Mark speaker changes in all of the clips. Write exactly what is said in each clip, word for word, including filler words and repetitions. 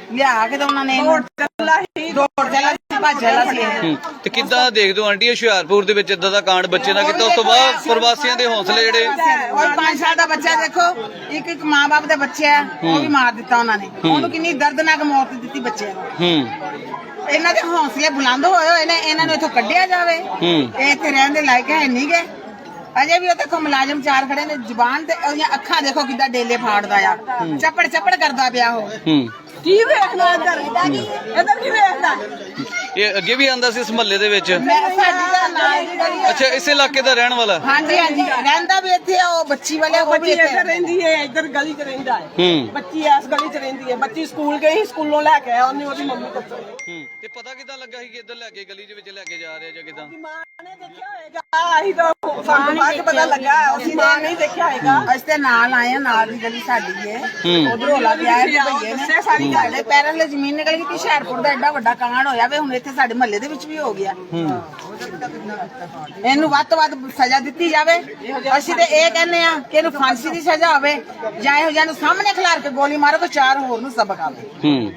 Speaker 1: ਲਿਆ ਕੇ ਤਾਂ ਉਹਨਾਂ ਨੇ ਦੌੜ ਚੱਲਾ ਸੀ ਭੱਜ ਚੱਲਾ ਸੀ।
Speaker 2: ਤੇ ਕਿੱਦਾਂ ਦੇਖਦੇ ਹੋ ਆਂਟੀ ਹੁਸ਼ਿਆਰਪੁਰ ਦੇ ਵਿੱਚ ਇਦਾਂ ਦਾ ਕਾਂਡ ਬੱਚੇ ਨਾਲ ਕੀਤਾ, ਉਸ ਤੋਂ ਬਾਅਦ ਪ੍ਰਵਾਸੀਆਂ ਦੇ ਹੌਸਲੇ ਜਿਹੜੇ
Speaker 1: ਉਹ ਪੰਜ ਸਾਲ ਦਾ ਬੱਚਾ ਦੇਖੋ, ਇੱਕ ਇੱਕ ਮਾਂ ਬਾਪ ਦੇ ਬੱਚੇ ਆ, ਉਹ ਵੀ ਮਾਰ ਦਿੱਤਾ ਉਹਨਾਂ ਨੇ। ਉਹਨੂੰ ਕਿੰਨੀ ਦਰਦਨਾਕ ਮੌਤ ਦਿੱਤੀ ਬੱਚੇ ਨੂੰ। ਇਹਨਾਂ ਦੇ ਹੌਸਲੇ ਬੁਲੰਦ ਹੋਏ ਹੋਏ ਨੇ, ਇਹਨਾਂ ਨੂੰ ਇੱਥੋਂ ਕੱਢਿਆ ਜਾਵੇ। ਇਹ ਇੱਥੇ ਰਹਿਣ ਦੇ ਲਾਇਕ ਹੈ ਨਹੀਂ ਗੇ। ਅਜੇ ਵੀ ਉਹ ਦੇਖੋ ਮੁਲਾਜ਼ਮ ਚਾਰ ਖੜੇ ਨੇ, ਜ਼ੁਬਾਨ ਤੇ ਉਹਦੀਆਂ ਅੱਖਾਂ ਦੇਖੋ ਕਿੱਦਾਂ ਡੇਲੇ ਫਾੜਦਾ ਆ, ਚੱਪੜ ਚੱਪੜ ਕਰਦਾ ਪਿਆ ਉਹ। ਕੀ ਵੇਖਦਾ ਇੱਧਰ ਇੱਧਰ ਕੀ ਵੇਖਦਾ?
Speaker 2: ਇਹ ਅੱਗੇ ਵੀ ਆਂਦਾ ਸੀ ਇਸ ਮਹੱਲੇ ਦੇ ਵਿੱਚ?
Speaker 1: ਮੈਂ ਸਾਡੀ ਦਾ ਨਾਲ
Speaker 2: ਅੱਛਾ, ਇਸੇ ਇਲਾਕੇ ਦਾ ਰਹਿਣ ਵਾਲਾ?
Speaker 1: ਹਾਂਜੀ ਹਾਂਜੀ, ਰਹਿੰਦਾ ਵੀ ਇੱਥੇ ਉਹ ਬੱਚੀ ਵਾਲੇ ਉਹ ਵੀ ਇੱਥੇ
Speaker 3: ਰਹਿੰਦੀ ਹੈ, ਇੱਧਰ ਗਲੀ 'ਚ ਰਹਿੰਦਾ ਹੈ। ਬੱਚੀ ਇਸ ਗਲੀ 'ਚ ਰਹਿੰਦੀ ਹੈ। ਬੱਚੀ ਸਕੂਲ ਗਈ, ਸਕੂਲੋਂ ਲੈ ਕੇ ਆਇਆ ਉਹਨੇ, ਉਹਦੀ ਮੰਮੀ ਕੋਲ।
Speaker 2: ਤੇ ਪਤਾ ਕਿੱਦਾਂ ਲੱਗਾ ਸੀ ਕਿ ਇੱਧਰ ਲੈ ਕੇ ਗਲੀ ਦੇ ਵਿੱਚ ਲੈ ਕੇ ਜਾ ਰਹੇ ਜਾਂ ਕਿੱਦਾਂ?
Speaker 3: ਮਾਂ ਨੇ ਦੇਖਿਆ ਹੋਏਗਾ, ਅਸੀਂ ਤਾਂ ਸਾਨੂੰ ਬਾਅਦ ਪਤਾ ਲੱਗਾ, ਅਸੀਂ ਮਾਂ ਨਹੀਂ ਦੇਖਿਆ ਹੋਏਗਾ।
Speaker 1: ਅਸੀਂ ਤੇ ਨਾਲ ਆਏ ਆ, ਨਾਲ ਦੀ ਗਲੀ ਸਾਡੀ ਹੈ। ਉਧਰ ਹੋਲਾ ਪਿਆ ਹੈ, ਭਈਏ ਨੇ ਸਾਰੀ ਸਾਡੇ ਪੈਰਾਂ ਲਈ ਜ਼ਮੀਨ ਨਿਕਲ ਗਈ। ਕਿ ਹੁਸ਼ਿਆਰਪੁਰ ਦਾ ਐਡਾ ਵੱਡਾ ਕਾਂਡ ਹੋਇਆ ਵੇ, ਹੁਣ ਇੱਥੇ ਸਾਡੇ ਮਹੱਲੇ ਦੇ ਵਿੱਚ ਵੀ ਹੋ ਗਿਆ। ਇਹਨੂੰ ਵੱਧ ਤੋਂ ਵੱਧ ਸਜ਼ਾ ਦਿੱਤੀ ਜਾਵੇ। ਅਸੀਂ ਤੇ ਇਹ ਕਹਿੰਦੇ ਆ ਕਿ ਇਹਨੂੰ ਫਾਂਸੀ ਦੀ ਸਜ਼ਾ ਹੋਵੇ, ਜਾਂ ਇਹੋ ਜਿਹਾ ਨੂੰ ਸਾਹਮਣੇ ਖਿਲਾਰ ਕੇ ਗੋਲੀ ਮਾਰੋ ਤਾਂ ਚਾਰ ਹੋਰ ਨੂੰ ਸਬਕ ਆਵੇ।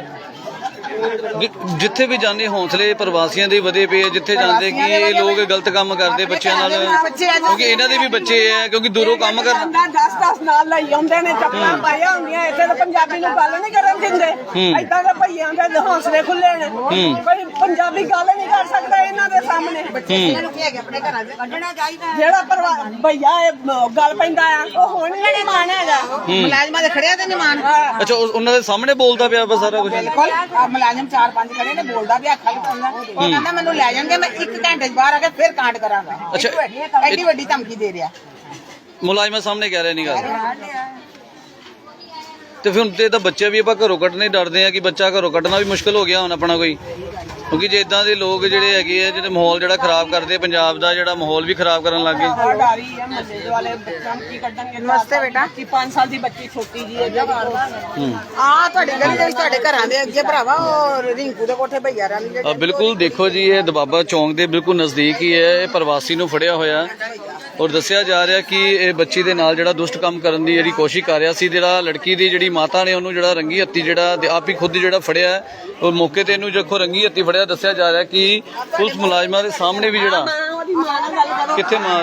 Speaker 2: ਜਿੱਥੇ ਵੀ ਜਾਂਦੇ ਹੌਸਲੇ ਪ੍ਰਵਾਸੀਆਂ ਦੇ ਵਧੇ ਪਏ, ਜਿੱਥੇ ਜਾਂਦੇ ਕਿ ਇਹ ਲੋਕ ਗਲਤ ਕੰਮ ਕਰਦੇ ਬੱਚਿਆਂ ਨਾਲ, ਕਿਉਂਕਿ ਇਹਨਾਂ ਦੇ ਵੀ ਬੱਚੇ ਆ, ਕਿਉਂਕਿ ਦੂਰੋਂ ਕੰਮ ਕਰਨਾ।
Speaker 3: ਦਸ ਦਸ ਨਾਲ ਲਈ ਆਉਂਦੇ ਨੇ, ਚੱਪਲਾਂ ਪਾਈਆਂ ਹੁੰਦੀਆਂ। ਇੱਥੇ ਤਾਂ ਪੰਜਾਬੀ ਨੂੰ ਗੱਲ ਨਹੀਂ ਕਰਨ ਦਿੰਦੇ। ਏਦਾਂ ਦੇ ਭਈਆਂ ਦੇ ਹੌਸਲੇ ਖੁੱਲੇ ਨੇ, ਕੋਈ ਪੰਜਾਬੀ ਗੱਲ ਨਹੀਂ ਕਰ ਸਕਦਾ ਇਹਨਾਂ ਦੇ ਸਾਹਮਣੇ।
Speaker 1: ਆਪਣੇ ਘਰਾਂ ਦੇ ਕੱਢਣਾ ਚਾਹੀਦਾ।
Speaker 3: ਜਿਹੜਾ ਭਈਆ ਇਹ ਗੱਲ ਪੈਂਦਾ ਆ, ਉਹ ਹੁਣ ਨਹੀਂ ਮਾਨ ਹੈਗਾ।
Speaker 1: ਮੁਲਾਜ਼ਮਾਂ ਦੇ ਖੜਿਆ ਤੇ ਨਹੀਂ ਮਾਨ।
Speaker 2: ਅੱਛਾ, ਉਹਨਾਂ ਦੇ ਸਾਹਮਣੇ ਬੋਲਦਾ ਪਿਆ ਵਾ ਸਾਰਾ ਕੁਝ?
Speaker 1: ਬਿਲਕੁਲ, ਮੁਲਾਜ਼ਮ ਚਾਰ ਪੰਜ ਖੜੇ ਨੇ, ਬੋਲਦਾ ਵੀ ਅੱਖਾਂ ਲਗਾਉਂਦਾ। ਉਹ ਕਹਿੰਦਾ ਮੈਨੂੰ ਲੈ ਜਾਣਗੇ, ਮੈਂ ਇੱਕ ਘੰਟੇ 'ਚ ਬਾਹਰ ਆ ਕੇ ਫਿਰ ਕਾਂਡ ਕਰਾਂਗਾ।
Speaker 2: ਅੱਛਾ,
Speaker 1: ਐਡੀ ਵੱਡੀ ਧਮਕੀ ਦੇ ਰਿਹਾ
Speaker 2: ਮੁਲਾਜ਼ਮਾਂ ਸਾਹਮਣੇ ਕਹਿ ਰਿਹਾ ਨਹੀਂ ਗੱਲ। ਤੇ ਫਿਰ ਹੁਣ ਤੇ ਤਾਂ ਬੱਚੇ ਵੀ ਆਪਾਂ ਘਰੋਂ ਕੱਢਣੇ ਡਰਦੇ ਆ ਕਿ ਬੱਚਾ ਘਰੋਂ ਕੱਢਣਾ ਵੀ ਮੁਸ਼ਕਲ ਹੋ ਗਿਆ ਹੁਣ ਆਪਣਾ ਕੋਈ, ਕਿਉਂਕਿ ਜੇ ਇਦਾਂ ਦੇ ਲੋਕ ਜਿਹੜੇ ਹੈਗੇ ਆ ਜਿਹੜੇ ਮਾਹੌਲ ਜਿਹੜਾ ਖਰਾਬ ਕਰਦੇ, ਪੰਜਾਬ ਦਾ ਜਿਹੜਾ ਮਾਹੌਲ ਵੀ ਖਰਾਬ ਕਰਨ ਲੱਗ ਗਏ।
Speaker 3: ਡਾਰੀ ਹੈ ਮਹੱਲੇ ਵਾਲੇ ਬੱਚਿਆਂ ਨੂੰ ਕੀ ਕੱਢਣਗੇ।
Speaker 1: ਨਮਸਤੇ ਬੇਟਾ।
Speaker 3: ਕੀ ਪੰਜ ਸਾਲ ਦੀ ਬੱਚੀ ਛੋਟੀ ਜੀ ਹੈ ਜਿਹੜੀ
Speaker 1: ਆ ਤੁਹਾਡੀ ਗਲੀ ਦੇ ਵਿੱਚ ਤੁਹਾਡੇ ਘਰਾਂ ਦੇ ਅੱਗੇ ਭਰਾਵਾ ਉਹ ਰਿੰਕੂ ਦੇ ਕੋਠੇ ਭਈਆ ਰਾਂ
Speaker 2: ਆ ਬਿਲਕੁਲ ਦੇਖੋ ਜੀ, ਇਹ ਦਬਾਬਾ ਚੌਂਕ ਦੇ ਬਿਲਕੁਲ ਨਜ਼ਦੀਕ ਹੀ ਹੈ। ਇਹ ਪ੍ਰਵਾਸੀ ਨੂੰ ਫੜਿਆ ਹੋਇਆ ਔਰ ਦੱਸਿਆ ਜਾ ਰਿਹਾ ਕਿ ਇਹ ਬੱਚੀ ਦੇ ਨਾਲ ਜਿਹੜਾ ਦੁਸ਼ਟ ਕੰਮ ਕਰਨ ਦੀ ਜਿਹੜੀ ਕੋਸ਼ਿਸ਼ ਕਰ ਰਿਹਾ ਸੀ। ਜਿਹੜਾ ਲੜਕੀ ਦੀ ਜਿਹੜੀ ਮਾਤਾ ਨੇ ਉਹਨੂੰ ਜਿਹੜਾ ਰੰਗੀ ਹੱਥੀ ਜਿਹੜਾ ਆਪ ਹੀ ਖੁਦ ਜਿਹੜਾ ਫੜਿਆ ਔਰ ਮੌਕੇ ਤੇ ਇਹਨੂੰ ਦੇਖੋ ਰੰਗੀ ਹੱਥੀ ਫੜਿਆ। ਦੱਸਿਆ ਜਾ ਰਿਹਾ ਕਿ ਪੁਲਿਸ ਮੁਲਾਜ਼ਮਾਂ ਦੇ ਸਾਹਮਣੇ ਵੀ ਜਿਹੜਾ ਕਿੱਥੇ ਮਾਂ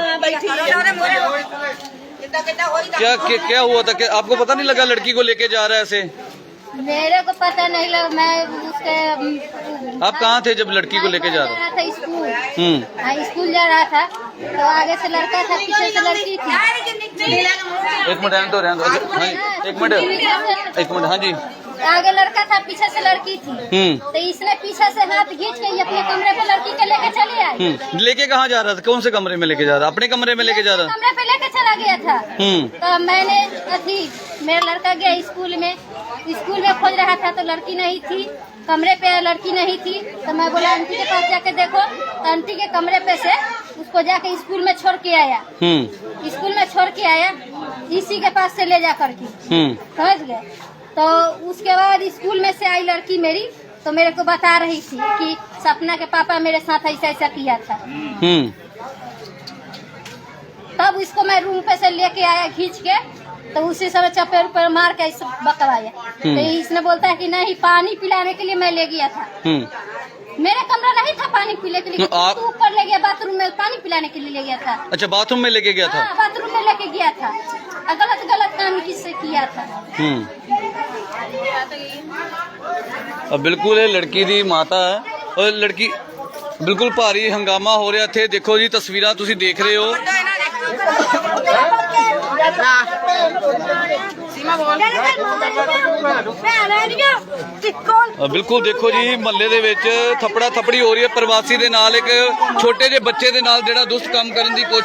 Speaker 2: क्या क्या हुआ था? क्या आपको पता नहीं लगा लड़की को लेके जा रहा है ऐसे?
Speaker 4: मेरे को पता नहीं लगा। मैं उसके
Speaker 2: आप कहाँ थे जब लड़की को लेके जा रहा
Speaker 4: था? स्कूल। हाँ, स्कूल जा रहा था तो आगे से लड़का था, पीछे से लड़की थी।
Speaker 2: एक मिनट रहने दो रहने दो। अच्छा हाँ जी, एक मिनट एक मिनट हाँ जी।
Speaker 4: आगे लड़का था, पीछे से लड़की थी। तो इसने पीछे से हाथ खींच के अपने कमरे पे लड़की के लेके चले आए।
Speaker 2: लेके कहाँ जा रहा था? कौन से कमरे में लेके जा रहा? अपने कमरे में लेके जा रहा?
Speaker 4: कमरे पे लेके चला गया था। तो मैंने अथी मेरा लड़का गया स्कूल में, स्कूल में खोज रहा था तो लड़की नहीं थी, कमरे पे लड़की नहीं थी। तो मैं बोला आंटी के पास जाके देखो, तो आंटी के कमरे पे से उसको जाके स्कूल में छोड़ के आया। स्कूल में छोड़ के आया इसी के पास से ले जा करके, समझ गए। तो उसके बाद स्कूल में से आई लड़की मेरी, तो मेरे को बता रही थी कि सपना के पापा मेरे साथ ऐसा ऐसा किया था। तब इसको मैं रूम पे से लेके आया खींच के, तो उसी समय चपेट पर मार के इस बकवाया। तो इसने बोलता है कि नहीं, पानी पिलाने के लिए मैं ले गया था। मेरा कमरा नहीं था पानी पीने के लिए, आप ऊपर ले गया बाथरूम में, पानी पिलाने के लिए ले गया था।
Speaker 2: अच्छा, बाथरूम में लेके गया था?
Speaker 4: हाँ, बाथरूम में लेके गया था। गलत गलत काम किससे किया था।
Speaker 2: अब बिल्कुल ये लड़की दी माता है और लड़की बिल्कुल भारी हंगामा हो रहा थे। देखो जी तस्वीरां तुसी देख रहे हो। बिल्कुल देखो जी, महल्ले दे विच थपड़ा थपड़ी हो रही है प्रवासी दे नाल, एक छोटे जे बच्चे दे नाल जेड़ा दुष्ट काम करन दी कोशिश